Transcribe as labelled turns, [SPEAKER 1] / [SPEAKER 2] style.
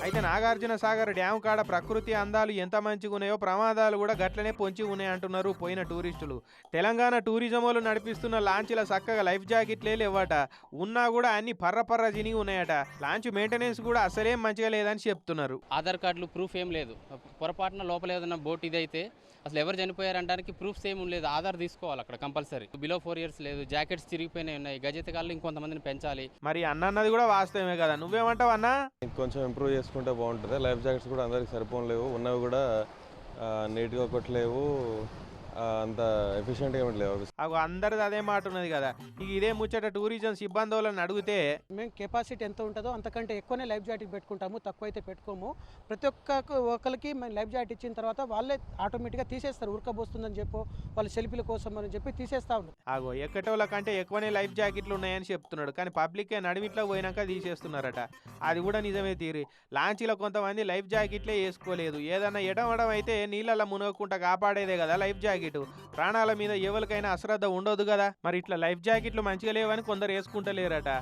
[SPEAKER 1] అయితే నాగార్జున సాగర్ డ్యామ్ కాడ ప్రకృతి అందాలు ఎంత మంచిగా ఉన్నాయో ప్రమాదాలు కూడా గట్లనే పొంచి ఉన్నాయి అంటున్నారు పోయిన టూరిస్టులు. తెలంగాణ టూరిజం వాళ్ళు నడిపిస్తున్న లాంచీల చక్కగా లైఫ్ జాకెట్లే లేవట. ఉన్నా కూడా అన్ని పర్ర జినిగి ఉన్నాయట. లాంచ్ మెయింటెనెన్స్ కూడా అసలేం మంచిగా లేదని చెప్తున్నారు.
[SPEAKER 2] ఆధార్ కార్డులు ప్రూఫ్ ఏం లేదు. పొరపాటున లోపల ఏదైనా బోట్ ఇదైతే అసలు ఎవరు చనిపోయారంటానికి ప్రూఫ్స్ ఏమి లేదు. ఆధార్ తీసుకోవాలి అక్కడ కంపల్సరీ. బిలో 4 years లేదు. జాకెట్స్ చిరిగిపోయినాయి ఉన్నాయి. గజెతగాళ్ళు ఇంకొంతమందిని పెంచాలి.
[SPEAKER 1] మరి అన్నది కూడా వాస్తవమే కదా. నువ్వేమంటావు అన్నా?
[SPEAKER 3] కొంచెం ఇంప్రూవ్ చేసుకుంటే బాగుంటుంది. లైఫ్ జాకెట్స్ కూడా అందరికి సరిపోలేవు, ఉన్నవి కూడా నీట్గా కొట్టలేవు, అంత ఎఫిషియెంట్గా లేవు.
[SPEAKER 1] అగో అందరిది అదే మాట ఉన్నది కదా. ఇక ఇదే ముచ్చట టూరిజం సిబ్బంది వాళ్ళని అడిగితే
[SPEAKER 4] మేము కెపాసిటీ ఎంత ఉంటుందో అంతకంటే ఎక్కువనే లైఫ్ జాకెట్ పెట్టుకుంటాము, తక్కువ అయితే పెట్టుకోము. ప్రతి ఒక్కరికి మేము లైఫ్ జాకెట్ ఇచ్చిన తర్వాత వాళ్ళే ఆటోమేటిక్గా తీసేస్తారు. ఉరకబోస్తుందని చెప్పో వాళ్ళ సెల్ఫీల కోసం అని చెప్పి తీసేస్తా ఉన్నారు.
[SPEAKER 1] అగో ఎక్కటోళ్ళ కంటే ఎక్కువనే లైఫ్ జాకెట్లు ఉన్నాయని చెప్తున్నాడు. కానీ పబ్లిక్ నడిమిట్లో పోయినాక తీసేస్తున్నారట. అది కూడా నిజమే తీరి. లాంచీలో కొంతమంది లైఫ్ జాకెట్లే వేసుకోలేదు. ఏదన్నా ఎడమడం అయితే నీళ్ళల్లో మునగకుండా కాపాడేదే కదా లైఫ్ జాకెట్. ప్రాణాల మీద ఎవరికైనా అశ్రద్ధ ఉండదు కదా. మరి ఇట్లా లైఫ్ జాకెట్లు మంచిగా లేవని కొందరు వేసుకుంటలేరట.